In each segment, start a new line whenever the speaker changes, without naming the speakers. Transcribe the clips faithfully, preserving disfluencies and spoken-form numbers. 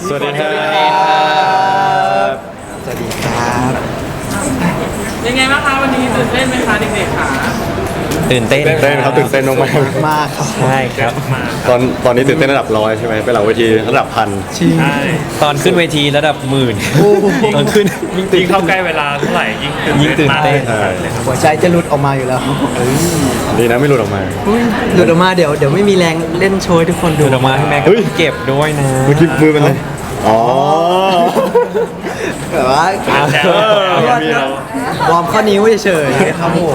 สวัสดีครับ
สวัสดีครับ
ยังไงบ้างคะวันนี้ตื่นเต้นไหมคะเด็กๆคะ
ตื่นเต้น
ตื่นเต้นครับตื่นเต้นมาก
มากครับ
ใช่ครับ
ๆตอนตอนนี้ตื่นเต้นระดับร้อยใช่ไหมไปหลังเวทีระดับพัน
ชิง
ใช่
ตอนขึ้นเวทีระดับหมื่นตอนขึ้น
ยิ่งเข้าใกล้เวลาเท่าไหร่ยิ่งตื่น
ยิ่งตื่นเต้น
มากเลยครับ
หัวใจจะหลุดออกมาอยู่แล้ว
ดีนะไม่หลุดออกมา
หลุดออกมาเดี๋ยวเดี๋ยวไม่มีแรงเล่นโชว์ให้ทุกคนดู
ดูดออกมาให้แม่
เฮ้ย
เก็บด้วยนะ
เมื่อกี้มือเป็นไรอ๋อ
แบบว่า
แล้ว
มีเรา
วอร์มข้อนิ้วเฉยๆครับผม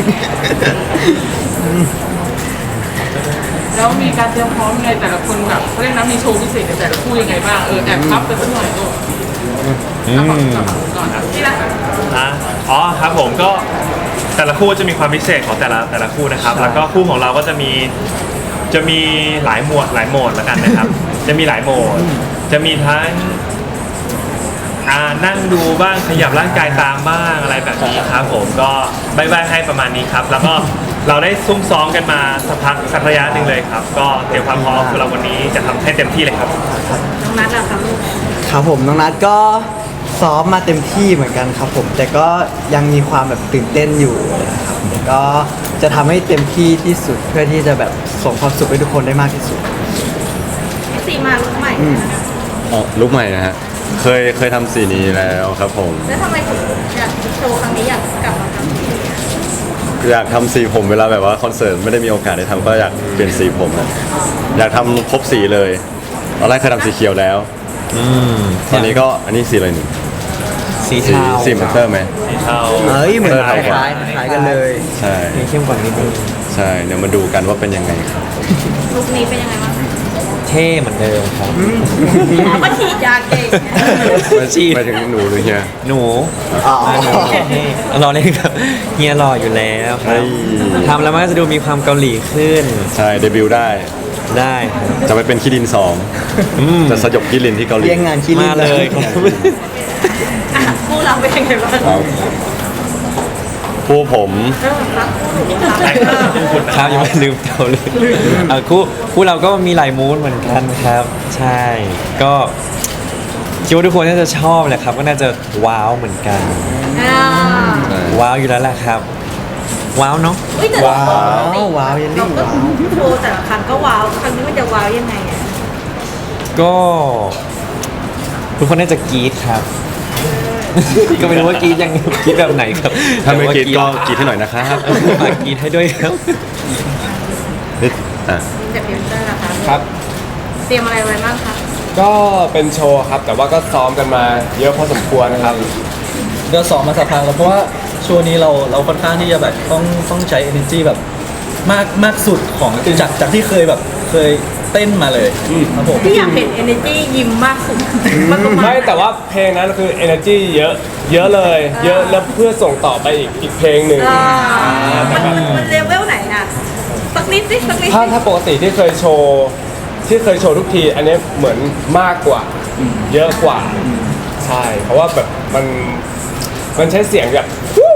แล้วมีการเตรียมพร้อมยังไงแต่ละคนแบบเขาเรียกนะมีโชว์พิเศษในแต่ละคู่ยังไงบ้างเออแอบพับไปสักหน่อยลูก
อื
เอาก่อน
ม
ก่อนนะที่ละ
อ่ะอ๋อครับผมก็แต่ละคู่จะมีความพิเศษของแต่ละแต่ละคู่นะครับ แล้วก็คู่ของเราก็จะมีจะมีหลายหมวดหลายโหมดแล้วกันนะครับ จะมีหลายโหมด จะมีทั้งอ่านั่งดูบ้างขยับร่างกายตามบ้างอะไรแบบนี้ครับผมก็บายบายให้ประมาณนี้ครับ แล้วก็เราได้ซุ่มซ้อมกันมาสักพักสักระยะหนึ่งเลยครับ ก็เตรียมความพร้อมคือเราวันนี้จะทำให้เต็มที่เลยครับ
น้องนัทอะครับลูก
ครับผมน้องนัทก็ซ้อมมาเต็มที่เหมือนกันครับผม แต่ก็ยังมีความแบบตื่นเต้นอยู่นะครับแต่ก็จะทำให้เต็มที่ที่สุดเพื่อที่จะแบบส่งความสุขให้ทุกคนได้มากที่สุด
สีมาลุกใหม่
อืม
อ๋อลุกใหม่นะฮะเคยเคยทำสีนี้แล้วครับผม
แล้วทำไมถึงอยากโชว์ครั้งนี้อยากกลับมาทำสีนี้
อยากทำสีผมเวลาแบบว่าคอนเสิร์ตไม่ได้มีโอกาสได้ทำก็อยากเปลี่ยนสีผมนะอยากทำครบสีเลยตอนแรกเคยทำสีเขียวแล้ว
อืม
ตอนนี้ก็อันนี้สีอะไรหนึ่ง
สี
สี
เทา
สีเหมือนเตอร์ไหม
สีเทา
เอ้ยเหมือน
เอ
ค
อ
ล้ายๆคล้ายๆกันเลย
ใช่
สีเข้มกว่านิดนึง
ใช่เดี๋ยวมาดูกันว่าเป็นยังไงครับ
ลุกนี้เป็นยังไงบ้าง
เท่เหมือนเดิมครับ
อ๋อก็ฉีดยาเก่งไง
ไม่
ฉีด
ไปถึงหนูหรือเฮีย
หนู
อ๋อ
หนูเท่รอเล่นครับเฮียรออยู่แล้วค
เฮ้
รับ
ย
ทำแล้วมันก็จะดูมีความเกาหลีขึ้น
ใช่เดบิวต์ได้
ได้ครับ
จะไปเป็นคิรินสอง
อืม
จะสยบคิรินที่เกาหลี
เรียงงานคิริ
มานเลยครับ
อ่ะคู่เราเป็นยังไงบ้าง
ครับผู้ผม
เออครับคู่หนูครับ
ใช่ครับคู่คุณนะครับ
ยังไม่ลืมเก่าเลยอ่ะคู่คู่เราก็มีหลายมูดเหมือนกันครับ ใช่ ก็คิดว่าทุกคนน่าจะชอบแหละครับ ก็น่าจะว้าวเหมือนกัน
อ่า
ว้าวอยู่แล้วแหละครับ ว้าวเนาะ
เฮ้ยแต่
ว้าวว้าวเยลลี่
เราก็
ว้าว
โชว์แต่ละครั้งก็ว้าวครั้งนี้มันจะว้าวยังไงอ่ะ
ก็ทุกคนน่าจะกรี๊ดครับ ก็ไม่รู้ว่ากรี๊ดยังกรี๊ดแบบไหนครับ
ถ้าไม่กรีดก็
แต่ว่
กรีดให้หน่อยนะครับ
ฝากกรี๊ดให้ด้วยครับ
นิดอ่ะ
เจ็บเพียงเตอร์นะคะ
ครับ
เตรียมอะไรไว้บ้างคะ
ก็เป็นโชว์ครับ แต่ว่าก็ซ้อมกันมาเยอะพอสมควรนะครับ
ก็ซ้อมมาสักพักแล้วเพราะว่าช่วงนี้เราเราค่อนข้างที่จะแบบต้องต้องใช้ energy แบบมากมากสุดของจากจากที่เคยแบบเคยเต้นมาเลยครับผม
ที่อยากเห็น energy ยิ้มมากสุดมันประมาณ
ไม่แต่ว่าเพลงนั้นคือ energy เยอะ เยอะเลย เยอะแล้วเพื่อส่งต่อไปอีกอีกเพลงหนึ่ง
อ่ามันมันมันเลเวลไหนอ่ะสักนิดสิสักนิด
ถ้า
สิ
ถ้าปกติที่เคยโชว์ที่เคยโชว์ทุกที อันนี้เหมือนมากกว่า เยอะกว่า ใช่ เพราะว่าแบบมันมันใช้เสียงแบบ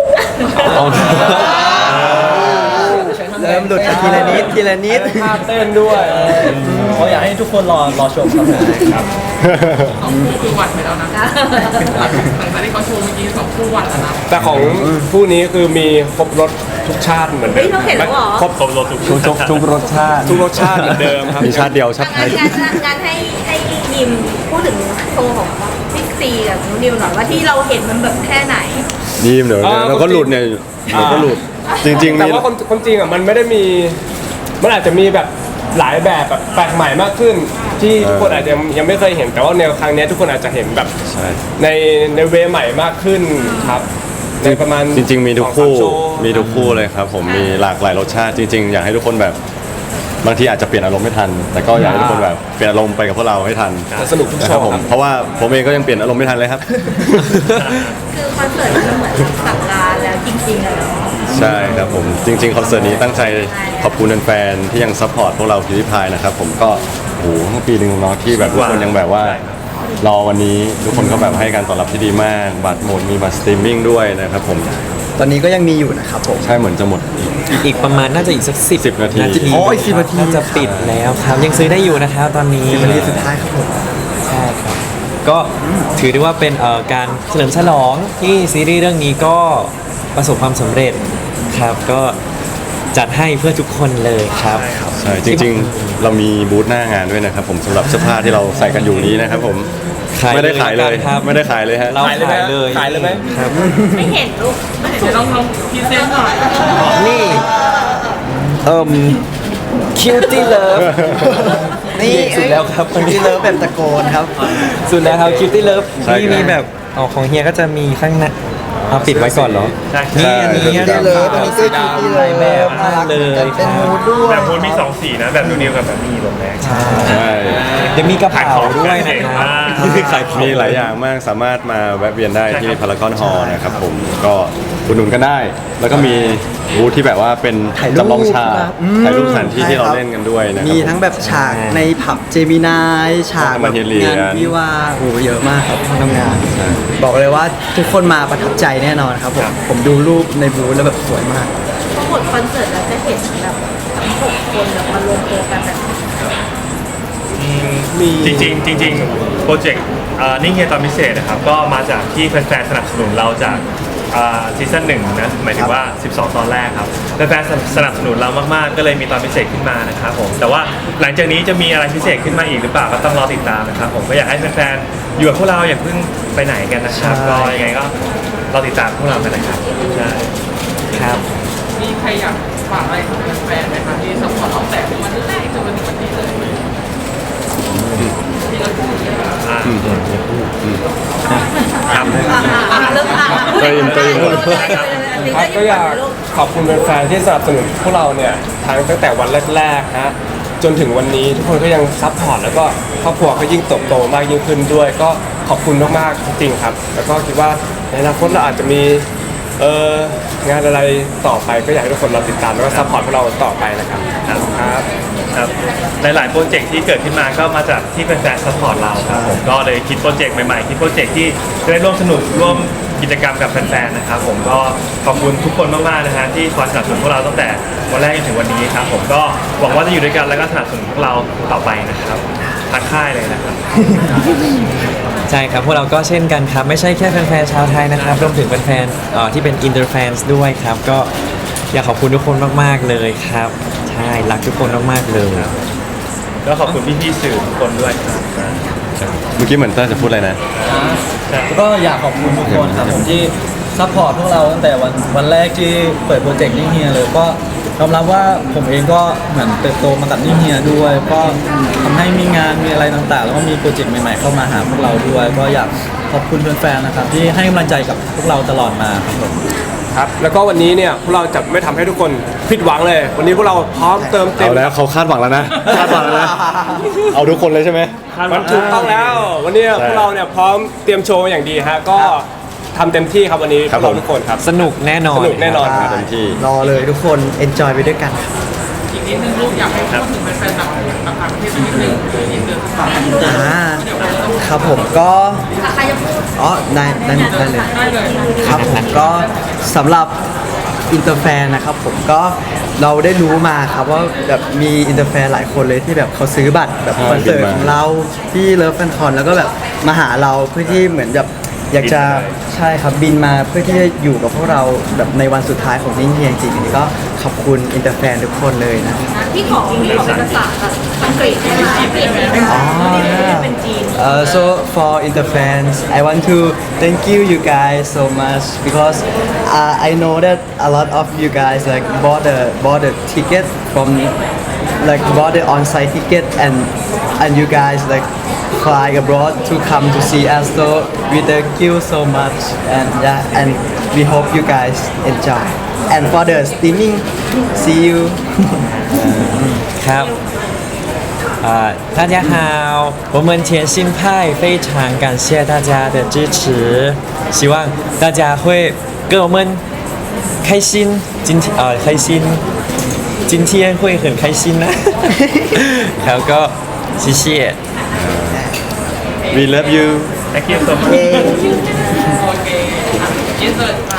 เริ่มหลุดกันทีละนิดทีละนิด
ท่าเต้นด้วย
เขาอยากให้ทุกคนรอรอชมครับผม
สองคู่คือหวัดไปแล้วนะหลังจากที่เขาโชว์เมื่อกี้สองคู่หวัดแล้วนะ
แต่ของผู้นี้คือมีครบรสทุกชาติเหมือนเดิ
เฮ้ย
ม
เราเห็นแล้วเหรอ
ครบ
ครบรถทุก
ทุกทุกทุกรสชาติ
ทุกรสชาติเหมือนเดิมครับ
มีชาติเดียวชาติไท
งาน
ย
งานงานงานให้ให้ยิมพูดถึงโชว์ของพิกซีกับนูนิวหน่อยว่าที่เราเห็นมันแบบแค่ไหน
ยิ้มเดี๋ยว
อ่า
เราก็หลุดเนี่ยเดี๋ยวก็หลุด จริงๆ
แต่
มี
ว่าคนคนจริงอ่ะมันไม่ได้มี มันอาจจะมีแบบหลายแบบแบบแปลกใหม่มากขึ้น ที่ทุกคนอาจจะยังไม่เคยเห็นแต่ว่าในครั้งเนี้ยทุกคนอาจจะเห็นแบบ
ใช่
ในในเวใหม่มากขึ้นครับ ในประมาณ
จริง ๆ มีทุก
สอง
คู่
สาโชว์
มีทุกคู่เลยครับ ผมมีหลากหลายรสชาติจริง ๆ อยากให้ทุกคนแบบบางทีอาจจะเปลี่ยนอารมณ์ไม่ทัน แต่ก็อยากให้ทุกคนแบบเปลี่ยนอารมณ์ไปกับพวกเราให้ทัน
สนุกทุก
นะ
โช
ครับ
ว์
ผม
ครับ
เพราะว่าผมเองก็ยังเปลี่ยนอารมณ์ไม่ทันเลยครับ
คือคอนเสิร์ตมันเหมือนสั่งการแล้วจริงๆเลยเนาะ
ใช่ครับผมจริง ๆ คอนเสิร์ตนี้ตั้งใจขอบคุณแฟนๆที่ยังซัพพอร์ตพวกเราพิวพายนะครับผมก็โอ้โหทั้งปีหนึ่งเนาะที่แบบทุกคนยังแบบว่า รอวันนี้ทุกคนก็แบบให้การตอบรับที่ดีมาก บัตรหมดมีบัตรสตรีมมิ่งด้วยนะครับผม
ตอนนี้ก็ยังมีอยู่นะครับผม
ใช่เหมือนจะหมด
อีกประมาณน่าจะอีกสักสิบ
สิบนาที
อ๋ออีกสิบนาที
น่าจะปิดแล้วครับ ยังซื้อได้อยู่นะครับตอนนี้
สิบนาทีสุดท้ายครับผม
ใช่ครับก็ถือได้ว่าเป็นเอ่อการเฉลิมฉลองที่ซีรีส์เรื่องนี้ก็ประสบความสำเร็จครับก็จัดให้เพื่อทุกคนเลยครับ
ใช่จริงๆ เรามีบูธหน้างานด้วยนะครับผมสำหรับเสื้อผ้าที่เราใส่กันอยู่นี้นะครับผม
ขายเลย
ไม่ได้ขายเลย
ครับ
ไม่ได้ขายเลยฮะ
เราขายเลย
ขายเลยไหม
ครับ
ไม่เห็นลูกไม่เห็น
เดี๋ยวลองลองพรีเซนต์หน่อย
นี่เอิ่มคิวตี้เลิฟ
นี่
สุดแล้วครับ
ที่เลิฟแบบตะโกนครับ
สุดแล้วครับคิวตี้เลิฟ
ใช่ครับ
นี่มีแบบอ๋อของเฮียก็จะมีข้างในเอาปิดไว้ก่อนเหรอ
ใช่
นี่อันนี้
ใช่
อัน
ที่เลิฟอัน
นี้
นี้คือที่เลิฟ
แบบมากเลย
เป็นมูดด้วย
แบบมูนมีสองสีนะ แบบนูนิวกับแบบมีแบบแรก
ใช่
เดี๋ยวมีกระเป๋าด้วยนะครับ
ขายของ
มีหลายอย่างมากสามารถมาแวะเวียนได้ที่
ใช่ครับ
พารากอนฮอลล์นะครับผมก็อุดหนุนกันได้ แล้วก็มีบูธที่แบบว่าเป็น
ถ่ายรูป
จำลองฉาก
ครับอืม
ถ่ายรูปสถานที่ที่เรา
ใช่ครับ
เล่นกันด้วยนะครับ
มีทั้งแบบฉากในผับเจมินายฉากแบบ
มาเฮียนเรียน
งานวิวาห์โอ้โหเยอะมากครับห้องทำงาน บอกเลยว่าทุกคนมาประทับใจแน่นอนครับผมผมดูรูปในบูธแล้วแบบสวยมาก
พอหมดคอนเสิร์ตแล้วจะเห็นแบบทั้งหกคนแบบมารวมตัวกันแบบ
จริงๆจริงๆโปรเจกต์นิ่งเฮียตอนพิเศษนะครับก็มาจากที่แฟนๆสนับสนุนเราจากซีซั่นหนึ่งนะหมายถึงว่า สิบสอง ตอนแรกครับแฟนๆสนับสนุนเรามากๆ ก็เลยมีตอนพิเศษขึ้นมานะครับผมแต่ว่าหลังจากนี้จะมีอะไรพิเศษขึ้นมาอีกหรือเปล่าก็ต้องรอติดตามนะครับผมก็อยากให้แฟนๆอยู่กับพวกเราอย่าเพิ่งไปไหนกันนะครับ
ใช่
ก็ยังไงก็รอติดตามพวกเรากันนะครับใช่
ครับ
มีใครอยากฝากอะไรถึงแฟนๆไหมคะที่สปอร์ตเราแต่วันแรกจนมาถึงวันนี้เลยที่เราพูดเนี่ย
อ่าครับ
อ่าเริ่มอ่าน
เติมเติม
ครับก็อยากขอบคุณแฟนๆที่สนับสนุนพวกเราเนี่ยทั้งตั้งแต่วันแรกๆฮะจนถึงวันนี้ทุกคนก็ยังซัพพอร์ตแล้วก็ครอบครัวก็ยิ่งเติบโตมากยิ่งขึ้นด้วย ก็ขอบคุณมากๆจริงๆครับ แล้วก็คิดว่าในอนาคตเราอาจจะมีเอ่องานอะไรต่อไปก็อยากให้ทุกคนเราติดตามแล้วก็ซัพพอร์ตพวกเราต่อไปนะครับครับ
ครับหลายๆโปรเจกต์ที่เกิดขึ้นมาก็มาจากที่แฟนๆซัพพอร์ตเราครับผมก็เลยคิดโปรเจกต์ใหม่ๆคิดโปรเจกต์ที่จะได้ร่วมสนุกร่วมกิจกรรมกับแฟนๆนะครับผมก็ขอบคุณทุกคนมากๆนะฮะที่คอยสนับสนุนพวกเราตั้งแต่วันแรกจนถึงวันนี้ครับผมก็หวังว่าจะอยู่ด้วยกันแล้วก็สนับสนุนพวกเราต่อไปนะครับทางค่ายเลยนะครับ
ใช่ครับพวกเราก็เช่นกันครับ ไม่ใช่แค่แฟนๆชาวไทยนะครับรวมถึงแฟนๆเอ่อที่เป็นอินเตอร์แฟนด้วยครับ ก็อยากขอบคุณทุกคนมากๆเลยครับ ใช่รักทุกคนมากๆเลย
ก็ขอบคุณพี่ๆสื่อทุกคนด้วยครับ
เมื่อกี้เหมือนเต้ยจะพูดอะไรนะ
ก็อยากขอบคุณทุกคนครับผมที่ซัพพอร์ตพวกเราตั้งแต่วันวันแรกที่เปิดโปรเจกต์นิ่งเฮียเลยก็ยอมรับว่าผมเองก็เหมือนเติบโตมากับนิ่งเฮียด้วย ก็ทำให้มีงานมีอะไรต่างๆ แล้วก็มีโปรเจกต์ใหม่ๆเข้ามาหาพวกเราด้วย ก็อยากขอบคุณแฟนๆนะครับที่ให้กำลังใจกับพวกเราตลอดมาครับผม
ครับแล้วก็วันนี้เนี่ยพวกเราจะไม่ทำให้ทุกคนผิดหวังเลย วันนี้พวกเราพร้อมเติมเต็ม
เอาแล้วเขาคาดหวังแล้วนะคาดหวังแล้วนะเอาทุกคนเลยใช่ไหม
มันถูกต้องแล้ว วันนี้
ใช่
พวกเราเนี่ยพร้อมเตรียมโชว์อย่างดีฮะก็ทำเต็มที่ครับวันนี้
ค
พ
รั
ว
บ
กเรา
ผม
ทุกคนครับ
สนุกแน่นอน
สนุกแน่นอน
เต็มที่
รอเลยทุกคน enjoy ไปด้วยกันครับ
อีกนิดนึงลูกอยากให้พูดถึงแฟนๆต่างต่างประเทศสักนิดนึงอินเตอร์สปอร์ต
อ่าครับผมก็
ใครจะพูด
อ๋อได้ได้ได้เลย
ได้เลย
ครับผมก็สำหรับอินเตอร์แฟนนะครับผมก็เราได้รู้มาครับว่าแบบมีอินเตอร์แฟนหลายคนเลยที่แบบเขาซื้อบัตรแบบ
ใช่
คอนเสิร์ต
บินมา
ของเราที่เลิฟแฟนคอนแล้วก็แบบมาหาเราเพื่อที่เหมือนแบบอยากจะใช่ครับบินมาเพื่อที่จะอยู่กับพวกเราแบบในวันสุดท้ายของนิ่งเฮียจริงๆอันนี้ก็ขอบคุณอินเตอร์แฟนทุกคนเลยนะ
พี่ขอพี่ขอเป็นภาษาแบบอังกฤษได้ไหมอังกฤษได้ไหม
อ๋อ
เป็นจีน
Uh, so for Interfans, I want to thank you, you guys, so much because uh, I know that a lot of you guys like bought the bought the ticket from like bought the on-site ticket and and you guys like fly abroad to come to see us. So we thank you so much and yeah, and we hope you guys enjoy. And for the streaming, see you.
ครับ啊，大家好，我们甜心派非常感谢大家的支持，希望大家会跟我们开心，今天呃开心，今天会很开心นะ แล้วก็谢谢
we love you
Thank you so much
โอเคอินเตอร์